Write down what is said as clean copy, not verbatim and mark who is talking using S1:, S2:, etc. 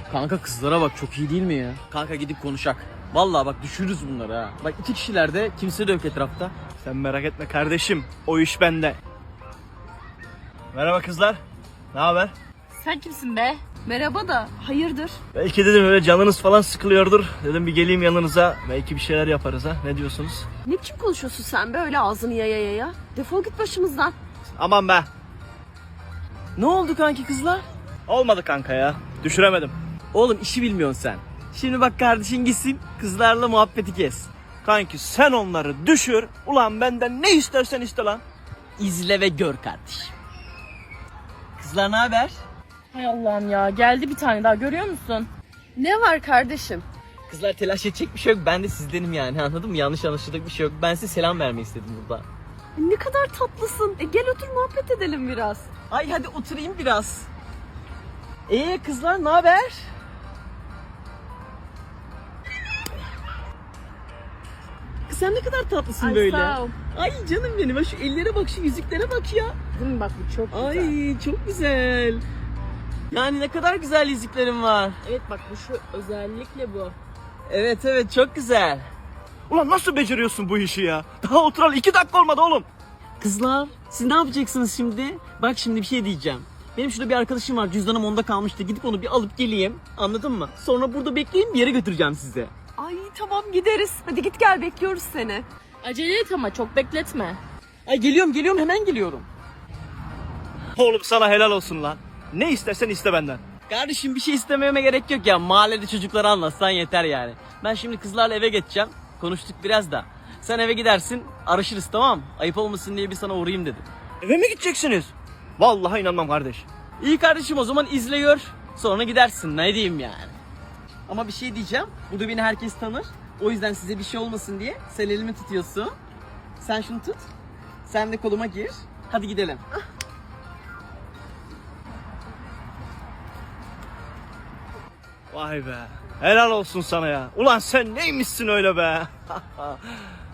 S1: Kanka kızlara bak, çok iyi değil mi ya? Kanka gidip konuşak. Vallahi bak düşürürüz bunları ha. Bak 2 kişiler de, kimse de yok etrafta.
S2: Sen merak etme kardeşim. O iş bende. Merhaba kızlar. Ne haber?
S3: Sen kimsin be? Merhaba da hayırdır?
S2: Belki dedim öyle canınız falan sıkılıyordur. Dedim bir geleyim yanınıza. Belki bir şeyler yaparız ha. Ne diyorsunuz?
S3: Ne biçim konuşuyorsun sen be öyle ağzını yaya? Defol git başımızdan.
S2: Aman be.
S1: Ne oldu kanki kızlar?
S2: Olmadı kanka ya. Düşüremedim.
S1: Oğlum işi bilmiyorsun sen. Şimdi bak kardeşin gitsin, kızlarla muhabbeti kes.
S2: Kanki sen onları düşür. Ulan benden ne istersen iste lan.
S1: İzle ve gör kardeşim. Kızlar ne haber?
S3: Hay Allah'ım ya geldi bir tane daha görüyor musun? Ne var kardeşim?
S1: Kızlar telaş edecek bir şey yok. Ben de sizdenim yani, anladın mı? Yanlış anlaşılacak bir şey yok. Ben size selam vermeyi istedim burada.
S3: Ne kadar tatlısın. Gel otur muhabbet edelim biraz.
S1: Ay hadi oturayım biraz. Kızlar ne haber? Kız sen ne kadar tatlısın
S3: Ay,
S1: böyle.
S3: sağ ol.
S1: Ay canım benim. Bak şu ellere bak, şu yüzüklere bak ya.
S3: Değil mi bak bu çok güzel.
S1: Ay çok güzel. Yani ne kadar güzel yüzüklerim var.
S3: Evet bak bu şu özellikle bu.
S1: Evet çok güzel.
S2: Ulan nasıl beceriyorsun bu işi ya? Daha oturalı 2 dakika olmadı oğlum.
S1: Kızlar siz ne yapacaksınız şimdi? Bak şimdi bir şey diyeceğim. Benim şurada bir arkadaşım var, cüzdanım onda kalmıştı. Gidip onu bir alıp geleyim, anladın mı? Sonra burada bekleyin, bir yere götüreceğim size.
S3: Ay tamam gideriz. Hadi git gel bekliyoruz seni. Acele et ama çok bekletme.
S1: Ay geliyorum hemen geliyorum.
S2: Oğlum sana helal olsun lan. Ne istersen iste benden.
S1: Kardeşim bir şey istememe gerek yok ya. Mahallede çocuklara anlatsan yeter yani. Ben şimdi kızlarla eve geçeceğim. Konuştuk biraz da. Sen eve gidersin, araşırız, tamam. Ayıp olmasın diye bir sana uğrayayım dedim.
S2: Eve mi gideceksiniz? Vallahi inanmam kardeş.
S1: İyi kardeşim, o zaman izle gör. Sonra gidersin, ne diyeyim yani. Ama bir şey diyeceğim. Burada beni herkes tanır. O yüzden size bir şey olmasın diye sen elimi tutuyorsun. Sen şunu tut. Sen de koluma gir. Hadi gidelim.
S2: Vay be. Helal olsun sana ya. Ulan sen neymişsin öyle be?